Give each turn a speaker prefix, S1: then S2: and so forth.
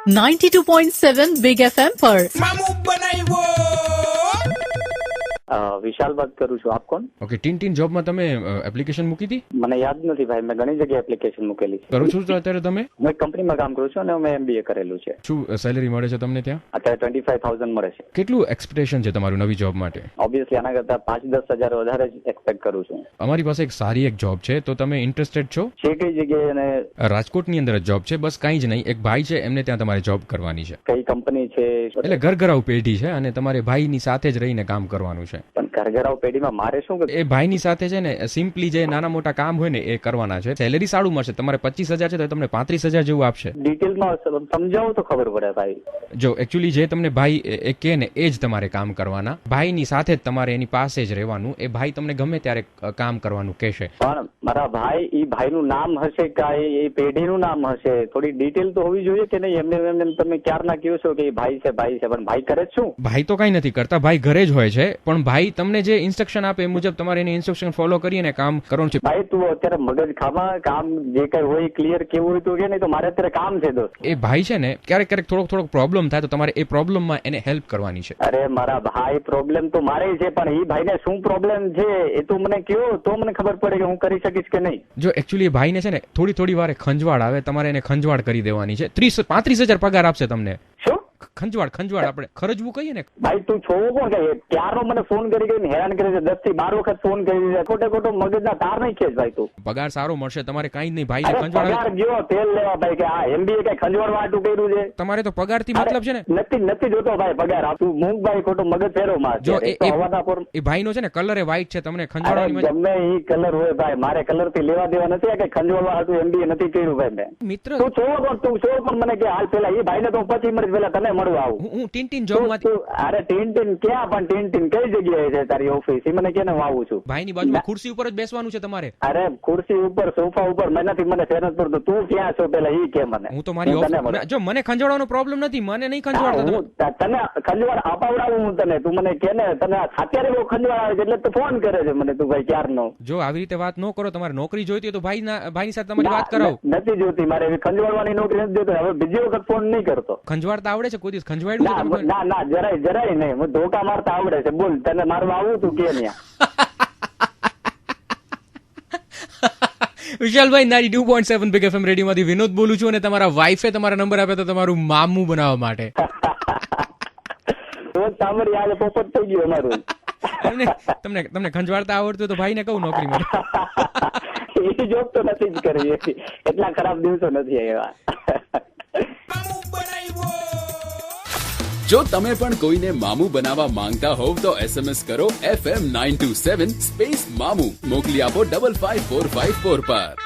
S1: 92.7 big FM पर
S2: વિશાલ વાત કરું છું. આપ કોણ?
S3: ઓકે, ટીન જોબમાં તમે એપ્લિકેશન મૂકી હતી?
S2: મને યાદ નથી ભાઈ, મેં ઘણી જગ્યાએ એપ્લિકેશન મૂકેલી છે.
S3: કરો છો તો અત્યારે તમે?
S2: હું એક કંપનીમાં કામ કરું છું અને મેં MBA કરેલું છે.
S3: શું સેલેરી મળે છે તમને ત્યાં?
S2: અત્યારે 25,000 મળે છે.
S3: કેટલું એક્સપેક્ટેશન છે તમારું નવી જોબ માટે?
S2: ઓબ્વિયસલી આના કરતા 5-10 હજાર વધારે જ એક્સપેક્ટ કરું છું.
S3: અમારી પાસે એક સારી એક જોબ છે, તો તમે ઇન્ટરેસ્ટેડ છો?
S2: છે કઈ જગ્યાએ અને
S3: રાજકોટની અંદર જ જોબ છે, બસ કાંઈ જ નહીં. એક ભાઈ છે, એમને ત્યાં તમારે જોબ કરવાની છે.
S2: કઈ કંપની છે?
S3: એટલે ઘરઘરાઉ પેઢી છે અને તમારે ભાઈની સાથે જ રહીને કામ કરવાનું છે.
S2: પણ ઘરઘરાઉ પેઢીમાં મારે શું?
S3: એ ભાઈની સાથે છે ને સિમ્પલી જે નાના મોટા કામ હોય ને એ કરવાના છે. સેલેરી સારું મળશે. તમારે 25,000 છે તો તમને 35,000 જેવું આપશે.
S2: ડિટેલમાં સમજાવો તો ખબર પડે ભાઈ.
S3: જો એકચ્યુઅલી જે તમને ભાઈ એ કે ને એ જ તમારે કામ કરવાના. ભાઈની સાથે જ તમારે એની પાસે જ રહેવાનું. એ ભાઈ તમને ગમે ત્યારે કામ કરવાનું કહેશે.
S2: પણ મારા ભાઈ, એ ભાઈનું નામ હશે કે એ પેઢીનું નામ હશે? થોડી ડિટેલ તો હોવી જોઈએ કે નહીં? એમને તમે ક્યારના કહો છો કે ભાઈ છે, પણ ભાઈ કરે શું?
S3: ભાઈ તો કઈ નથી કરતા, ભાઈ ઘરે જ હોય છે. પણ ભાઈ તમને જે ઇન્સ્ટ્રક્શન આપે એ મુજબ તમારે એની ઇન્સ્ટ્રક્શન ફોલો કરીને કામ કરવાનું છે.
S2: ભાઈ તું અત્યારે મગજ ખાવા કામ જે કઈ હોય ક્લિયર કેવું હોય તો કે નહીં, તો મારે અત્યારે કામ છે દોસ્ત.
S3: એ ભાઈ છે ને ક્યારેક થોડોક પ્રોબ્લેમ થાય તો તમારે એ પ્રોબ્લેમમાં એને હેલ્પ કરવાની છે.
S2: અરે મારા ભાઈ, પ્રોબ્લેમ તો મારે છે, પણ એ ભાઈને શું પ્રોબ્લેમ છે એ તો મને કહો, તો મને ખબર પડે કે હું કરી શકીશ કે નહીં.
S3: જો એકચ્યુઅલી ભાઈને છે ને થોડી વારે ખંજવાળ આવે, તમારે એને ખંજવાળ કરી દેવાની છે. 35,000 પગાર આપશે તમને.
S2: શું
S3: ખંજવાળ આપણે ખરજવું કહીએ ને.
S2: ભાઈ તું છો કોણ કે ક્યારનો મને ફોન કરી હેરાન કરે છે? 10 થી 12 વખત ફોન કરી છે. ખોટો મગજના તાર નહીં ખેંચ ભાઈ તું.
S3: પગાર સારો મળશે તમારે, કાંઈ જ નહીં. ભાઈને ખંજવાળ
S2: પગાર ગયો તેલ લેવા ભાઈ કે આ MBA કઈ ખંજવાળ વાટું કર્યું છે?
S3: તમારે તો પગાર થી મતલબ છે ને.
S2: નથી જોતો ભાઈ પગાર. તું મૂક ભાઈ, ખોટો મગજ ફેરો માં.
S3: જો એ ભાઈનો છે ને કલર એ વ્હાઈટ છે, તમને ખંજવાળવાની મજા.
S2: ગમે એ કલર હોય ભાઈ, મારે કલર થી લેવા દેવા નથી. કે ખંજવાળ વાળું MBA નથી કર્યું ભાઈ મેં.
S3: મિત્ર
S2: તું છો પણ મને કે હાલ પેલા એ ભાઈને તો 25 મિનિટ પેલા તને મળવા આવું.
S3: હું ટીન જોબ માંથી.
S2: અરે ટીન ક્યાં? પણ ટીન કઈ જગ્યાએ છે તારી ઓફિસ? એ મને કેને આવું છું?
S3: ભાઈની બાજુમાં ખુરશી ઉપર જ બેસવાનું છે તમારે.
S2: અરે ખુરશી ઉપર, સોફા ઉપર મને ફેર નથી પડતો. તું ક્યાં છો પેલા ઈ કે મને.
S3: હું તો મારી ઓફિસ. જો મને ખંજવાળવાનો પ્રોબ્લેમ નથી, મને નહીં ખંજવાળતો.
S2: તને ખંજવાળ અપાવડાવું હું તને? તું મને કે ને તને અત્યારે બહુ ખંજવાળ આવે છે એટલે તું ફોન કરે છે મને. તું ભાઈ ક્યારનો. જો આવી રીતે વાત ન કરો. તમારે નોકરી જોઈતી હોય તો ભાઈની સાથે તમારી વાત કરાવો. નથી જોતી મારે ખંજવાળવાની નોકરી નથી જોતી. હવે બીજી વખત ફોન નહીં કરતો.
S3: ખંજવાળતા આવડે છે? કોઈ દિવસ ખંજવાળ્યું?
S2: ના જરાય નહીં. હું ધોકા મારતા આવડે છે. બોલ, તને મારવા આવું તું કે ન્યા?
S3: વિશાલભાઈ, 92.7 બિગ FM રેડિયો માંથી વિનોદ બોલું છું અને તમારા વાઈફે તમારા નંબર આપ્યો તો તમારું મામું બનાવવા માટે.
S2: સાંભળી આજે પોપટ થઈ ગયો અમારું.
S3: તમને ખંજવાળતા આવડતું તો ભાઈને કહું નોકરી મળે.
S2: એ જોબ તો નથી જ કરવી. એટલા ખરાબ દિવસો નથી આવ્યા.
S4: જો તમે પણ કોઈને મામું બનાવવા માંગતા હોવ તો SMS કરો FM 927 સ્પેસ મામું. મોકલી આપો 55454 પર.